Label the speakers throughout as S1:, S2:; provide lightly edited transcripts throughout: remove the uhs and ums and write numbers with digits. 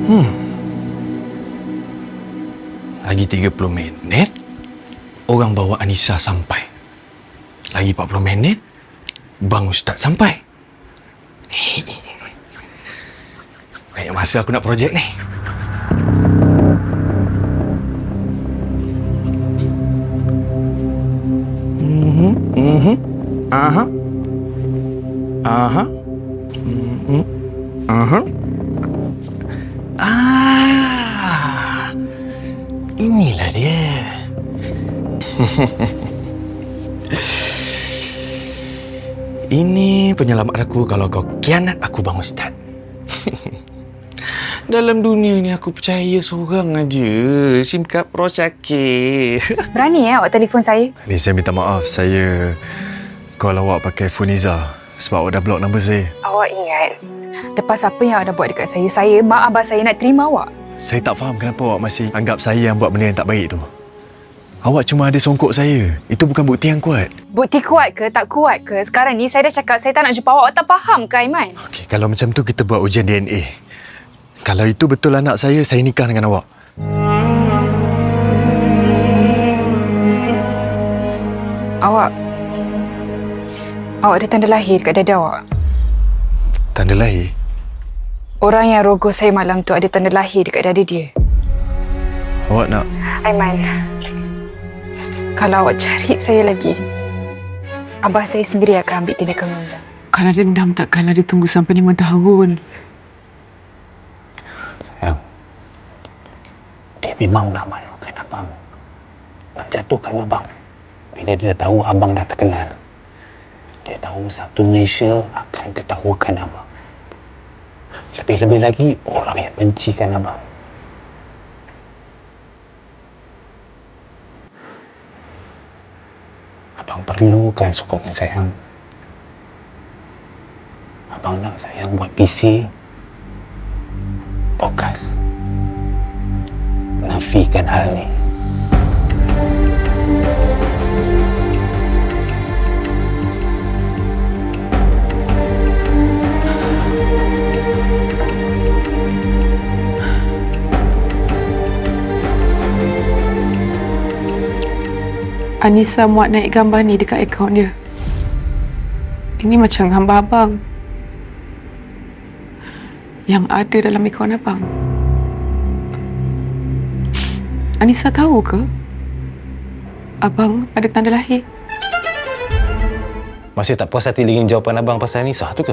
S1: Lagi 30 minit, orang bawa Anissa sampai. Lagi 40 minit, Bang Ustaz sampai. Banyak masa aku nak projek ni. Aha. Aha. Aha. Inilah dia. Ini penyelamat aku kalau kau kianat aku, Bang Ustaz. Dalam dunia ni aku percaya seorang aja. SIM card Pro Syakir.
S2: Berani awak telefon saya?
S1: Ni saya minta maaf. Saya call awak pakai phone Izzah sebab awak dah block nombor saya.
S2: Awak ingat lepas apa yang awak dah buat dekat saya, mak abah saya nak terima awak?
S1: Saya tak faham kenapa awak masih anggap saya yang buat benda yang tak baik tu. Awak cuma ada songkok saya. Itu bukan bukti yang kuat.
S2: Bukti kuat ke tak kuat ke? Sekarang ni saya dah cakap saya tak nak jumpa awak. Awak tak faham ke, Aiman?
S1: Okey, kalau macam tu kita buat ujian DNA. Kalau itu betul anak saya nikah dengan awak.
S2: Awak ada tanda lahir kat dada awak.
S1: Tanda lahir?
S2: Orang yang rogoh saya malam tu ada tanda lahir dekat dada dia.
S1: Awak nak?
S2: Aiman, kalau awak cari saya lagi, abah saya sendiri akan ambil tindakan undang.
S3: Kalau dendam takkanlah ditunggu sampai 5 tahun.
S4: Sayang, dia memang nak malukan abang. Nak jatuhkan abang. Bila dia tahu abang dah terkenal, dia tahu satu Malaysia akan ketahukan abang. Lebih-lebih lagi, orang yang bencikan abang. Abang perlukan sokongan sayang. Abang nak sayang buat PC, podcast. Nafikan hal ni.
S3: Anissa muat naik gambar ni dekat akaun dia. Ini macam gambar abang yang ada dalam akaun abang. Anissa tahu ke abang ada tanda lahir?
S4: Masih tak puas hati dengan jawapan abang pasal Anissa tu ke?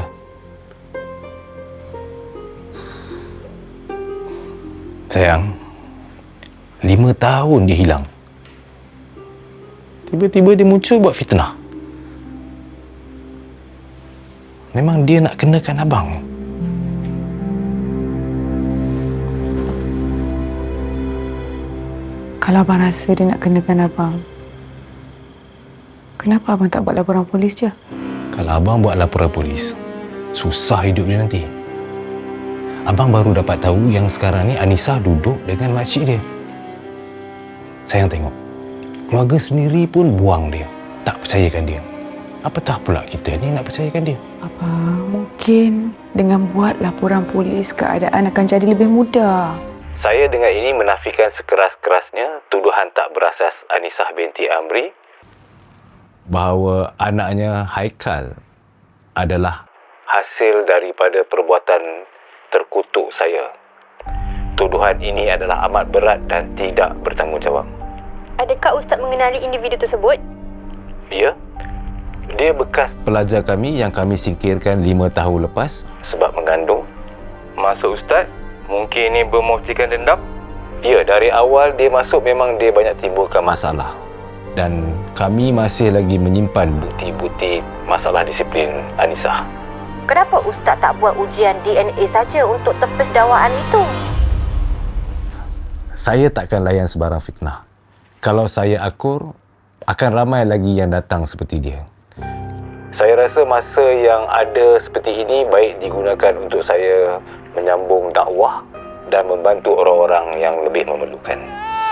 S4: Sayang, 5 tahun dia hilang. Tiba-tiba dia muncul buat fitnah. Memang dia nak kenakan abang.
S3: Kalau abang rasa dia nak kenakan abang, kenapa abang tak buat laporan polis je?
S4: Kalau abang buat laporan polis, susah hidup dia nanti. Abang baru dapat tahu yang sekarang ni Anissa duduk dengan makcik dia. Sayang tengok, keluarga sendiri pun buang dia, tak percayakan dia. Apatah pula kita ni nak percayakan dia.
S3: Abang, mungkin dengan buat laporan polis keadaan akan jadi lebih mudah.
S4: Saya dengan ini menafikan sekeras-kerasnya tuduhan tak berasas Anissa binti Amri bahawa anaknya Haikal adalah hasil daripada perbuatan terkutuk saya. Tuduhan ini adalah amat berat dan tidak bertanggungjawab.
S5: Adakah Ustaz mengenali individu tersebut?
S4: Ya. Dia bekas pelajar kami yang kami singkirkan 5 tahun lepas sebab mengandung. Maksud Ustaz, mungkin ini bermuftikan dendam? Ya, dari awal dia masuk memang dia banyak timbulkan masalah. Dan kami masih lagi menyimpan bukti-bukti masalah disiplin Anissa.
S5: Kenapa Ustaz tak buat ujian DNA saja untuk tepis dakwaan itu?
S4: Saya takkan layan sebarang fitnah. Kalau saya akur, akan ramai lagi yang datang seperti dia. Saya rasa masa yang ada seperti ini baik digunakan untuk saya menyambung dakwah dan membantu orang-orang yang lebih memerlukan.